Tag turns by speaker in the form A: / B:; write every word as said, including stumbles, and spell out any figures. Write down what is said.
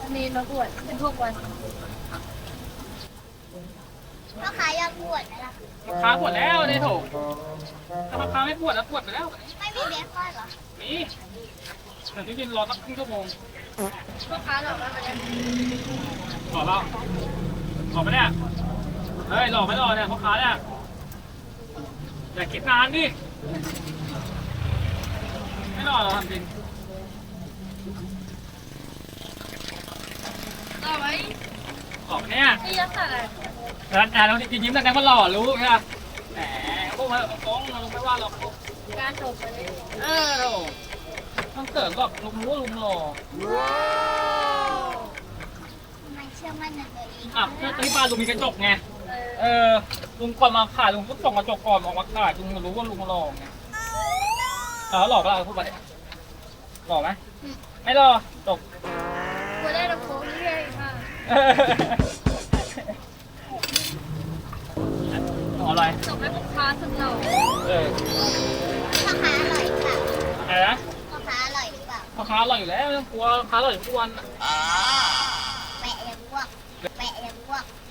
A: มีมาบวชเป็นทุกวัน
B: พ่อค้ายอมบวชไหมล่ะ
C: พ่อค้าปวดแล้วเนี่ยโถถ้าพ่อค้าไม่ปวดแล้วปวดไปแล้ว
B: ไม่มีเบคอนเหรอ
C: นี่เดี๋ยวที่กินรอสักครึ่งชั่วโมง
A: พ่อค้าหลอกเราไปแล้ว
C: หล่อแล้วหล่อไหมเนี่ยเฮ้ยหล่อไหมหล่อเนี่ยพ่อค้าเนี่ยอย่าคิดนานดิไม่หล่อหรอกทำจริง
A: เอาไว้
C: หล่อไหมเนี่ย
A: ที่ยักษ์อะไร
C: ร้านอาเราจริงยิ้มแต่แดงมันหล่อรู้ใช่ไหมแหมพวกมันฟ้องเราไม่ว่าหรอก
A: การจบไปเลย
C: เออโถต้องเสริมหรอกลุงรู้ว่าลุงหล่อ
B: ทำไมเชื่อมั่นในตัวเอง
C: อ่ะก็ที่บ้านลุงมีกระจกไง
A: เออ
C: เออลุงก่อนมาขายลุงก็ส่องกระจกก่อนออกมาขายลุงรู้ว่าลุงหล่อไงเออหล่อปะล่ะพูดไปเลยหล่อไหมไม่หล่อจบ
A: กูได้ลำโพงเรื่อยมาก
C: เออหล่ออะไร
A: จบให้พ่อค้าสุดหล่อ
C: เออ
B: พ่อค้าอร่อยหรือเปล่า
C: อะไรนะ
B: พ่อค้าอร่อยหรือเปล่า
C: พ่อค้าอร่อยอยู่แล้วไม่ต้องกลัวพ่อค้าอร่อยทุกวัน
B: แปะยังพวกแปะยังพวก